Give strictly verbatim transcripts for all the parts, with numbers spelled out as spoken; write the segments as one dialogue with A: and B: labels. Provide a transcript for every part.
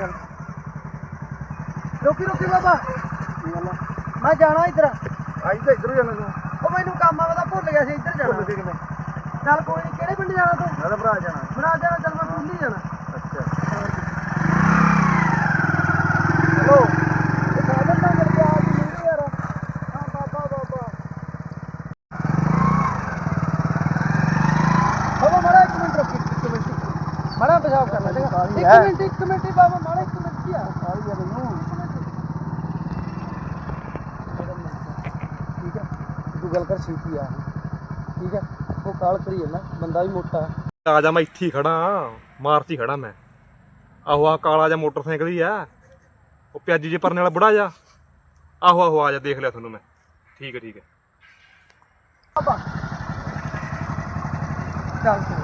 A: चल रोकी रोकी बाबा मैं जाना इधर
B: आई तो इधर जाना तू
A: ਉਹ ਮੈਨੂੰ ਕੰਮ ਆ ਮੈਂ ਭੁੱਲ ਗਿਆ ਸੀ ਇੱਧਰ ਜਾਣਾ
B: भुल के किवें
A: ਚੱਲ ਕੋਈ ਨਹੀਂ ਕਿਹੜੇ ਪਿੰਡ ਜਾਣਾ ਤੂੰ
B: मैं तो भरा जाना
A: ਬਣਾ ਜਾਣਾ ਚੱਲ ਮੈਂ ਭੁੱਲ ਹੀ ਜਾਣਾ
B: अच्छा
A: ਹੈਲੋ ਇਹ ਸਾਧਨ ਤਾਂ ਮਿਲ ਗਿਆ ਅੱਜ ਨਹੀਂ ਯਾਰ ਹਾਂ ਬਾਬਾ ਬਾਬਾ ਬਾਬਾ ਮਾੜਾ ਇੱਕ ਮਿੰਟ ਰੁਕੀ ਇੱਕ ਮਿੰਟ ਮਾੜਾ ਪਿਸ਼ਾਬ ਕਰ ਲੈ ਚੰਗਾ ਇੱਕ ਮਿੰਟ ਇੱਕ ਮਿੰਟ ਹੀ ਬਾਬਾ ਮਾੜਾ ਇੱਕ ਮਿੰਟ ਹੀ ਆ ਸਾਰੀ ਆ ਮੈਨੂੰ ਠੀਕ ਹੈ ਤੂੰ ਗੱਲ ਕਰ ਛੇਤੀ ਆ ਠੀਕ ਹੈ ਉਹ ਕਾਲ ਕਰੀ ਜਾਂਦਾ ਬੰਦਾ ਵੀ ਮੋਟਾ
C: ਆ ਜਾ ਮੈਂ ਇੱਥੇ ਹੀ ਖੜਾ ਮਾਰਚ ਹੀ ਖੜਾ ਮੈਂ ਆਹੋ ਆ ਕਾਲਾ ਜਿਹਾ ਮੋਟਰਸਾਈਕਲ ਹੀ ਆ ਉਹ ਪਿਆਜੀ ਜੇ ਪਰਨੇ ਵਾਲਾ ਬੁੜਾ ਜਾ ਆਹੋ ਆਹੋ ਆ ਜਾ ਦੇਖ ਲਿਆ ਤੁਹਾਨੂੰ ਮੈਂ ਠੀਕ ਹੈ ਠੀਕ ਹੈ
A: ਬਾਬਾ ਚੱਲ ਤੂੰ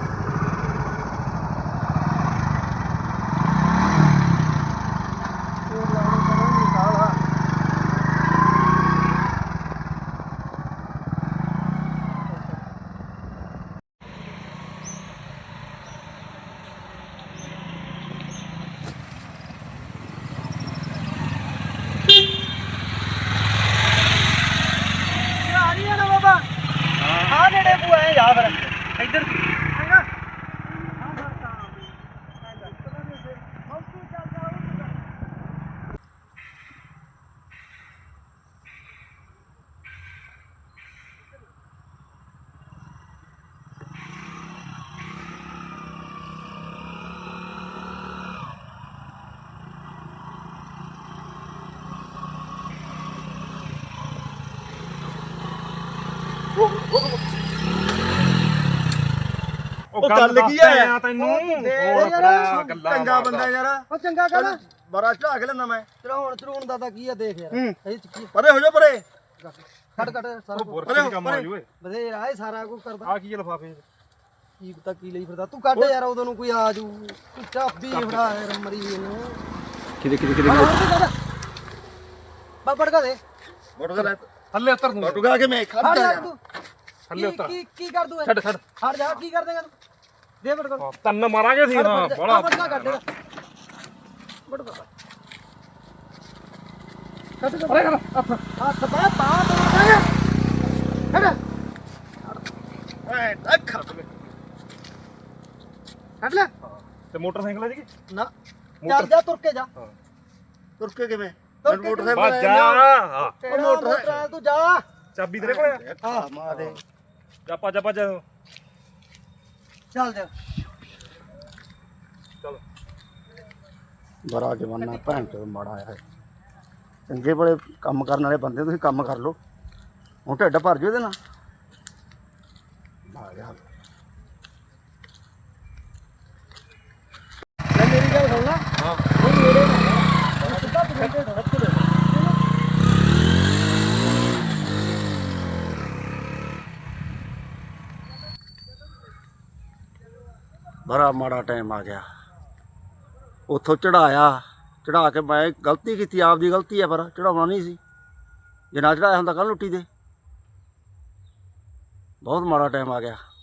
A: ਜਾ ਫਿਰ ਇੱਧਰ ਚੰਗਾ ਹਾਂ ਵਰਤਾ ਮੌਕੀ ਚੱਲ ਜਾ
C: ਉਹ
B: ਗੱਲ ਕੀ ਹੈ
C: ਤੈਨੂੰ
A: ਹੋਰ
C: ਭਰਾ ਗੱਲਾਂ
B: ਚੰਗਾ ਬੰਦਾ ਯਾਰ
A: ਉਹ ਚੰਗਾ ਕਰ
B: ਬੜਾ ਚੜਾ ਕੇ ਲੈਂਦਾ ਮੈਂ
A: ਚੜਾਉਣ ਚੜਾਉਣ ਦਾ ਤਾਂ ਕੀ ਆ ਦੇਖ ਯਾਰ ਇਹ ਚ ਕੀ
B: ਪਰੇ ਹੋ ਜਾ ਪਰੇ
A: ਕੱਟ ਕੱਟ ਸਾਰਾ ਕੁਝ
C: ਬੁਰਸ਼ ਕੰਮ ਆ ਜੂਏ
A: ਬਥੇਰਾ ਇਹ ਸਾਰਾ ਕੁਝ ਕਰਦਾ
C: ਆ ਕੀ ਲਫਾਫੇ
A: ਕੀ ਪਤਾ ਕੀ ਲਈ ਫਿਰਦਾ ਤੂੰ ਕੱਢ ਯਾਰ ਉਦੋਂ ਨੂੰ ਕੋਈ ਆ ਜੂ ਤੂੰ ਚਾਬੀ ਫੜਾ ਯਾਰ ਮਰੀ ਇਹਨੂੰ
B: ਕਿਦੇ ਕਿਦੇ ਕਿਦੇ
A: ਬਾਬੜ ਕਾ ਦੇ
B: ਮੋਟਰ ਲੈ
C: ਥੱਲੇ ਉਤਰ ਤੂੰ
B: ਟੁਕਾ ਕੇ ਮੈਂ ਖੜ
A: ਹਟ
B: ਜਾ
A: ਜਾ ਤੂੰ
C: ਥੱਲੇ
A: ਕੀ
C: ਉਤਰ
A: ਕੀ ਕੀ ਕਰ ਦੂ
C: ਛੱਡ ਛੱਡ
A: ਹਟ ਜਾ ਕੀ ਕਰ ਦੇਗਾ ਤੂੰ ਦੇ ਬੜ ਕਰ
C: ਤੰਨ ਮਾਰਾਂਗੇ ਸੀ ਹਾਂ ਬੜਾ
A: ਬੜ ਕੱਢ ਦੇ ਬੜ ਕਰ ਕੱਟ ਕਰ ਅਰੇ ਹੱਥ ਹੱਥ ਬਾ ਪਾ ਹਟ
B: ਐ ਅੱਖ
A: ਹਟ ਲੈ
C: ਤੇ ਮੋਟਰਸਾਈਕਲ ਹੈ ਜੀ
A: ਨਾ ਚੱਲ ਜਾ ਤੁਰ ਕੇ ਜਾ
B: ਤੁਰ ਕੇ ਕਿਵੇਂ
A: ਤੁਰ ਕੇ
B: ਮੋਟਰਸਾਈਕਲ
C: ਬਸ ਜਾ ਹਾਂ
A: ਤੇਰਾ ਮੋਟਰ ਤੂੰ ਜਾ
C: ਚਾਬੀ ਤੇਰੇ ਕੋਲ ਆ
A: ਹਾਂ
B: ਮਾਂ ਦੇ
C: ਜਾ ਭੱਜ ਭੱਜ
A: ਚੱਲ ਜਾ
C: ਚਲ
B: ਬੜਾ ਜਵਾਨਾ ਭੈਣ ਚੋਦ ਮਾੜਾ ਆਇਆ ਚੰਗੇ ਬੜੇ ਕੰਮ ਕਰਨ ਵਾਲੇ ਬੰਦੇ ਤੁਸੀਂ ਕੰਮ ਕਰ ਲਓ ਹੁਣ ਢਿੱਡ ਭਰ ਜਾਓ ਇਹਦੇ ਨਾਲ ਆ ਗਿਆ
A: ਲੈ ਮੇਰੀ ਗੱਲ ਸੁਣ ਲੈ
C: ਹਾਂ
A: ਉਹ ਮੇਰੇ ਨਾਲ ਸਿੱਧਾ ਤੂੰ ਤੇ ਰੱਖ ਦੇ
B: ਬੜਾ ਮਾੜਾ ਟਾਈਮ ਆ ਗਿਆ ਉੱਥੋਂ ਚੜਾਇਆ ਚੜਾ ਕੇ ਮੈਂ ਗਲਤੀ ਕੀਤੀ ਆਪਦੀ ਗਲਤੀ ਹੈ ਪਰ ਚੜਾਉਣਾ ਨਹੀਂ ਸੀ ਜੇ ਨਾ ਚੜਾਇਆ ਹੁੰਦਾ ਕੱਲ ਲੁੱਟੀ ਦੇ ਬਹੁਤ ਮਾੜਾ ਟਾਈਮ ਆ ਗਿਆ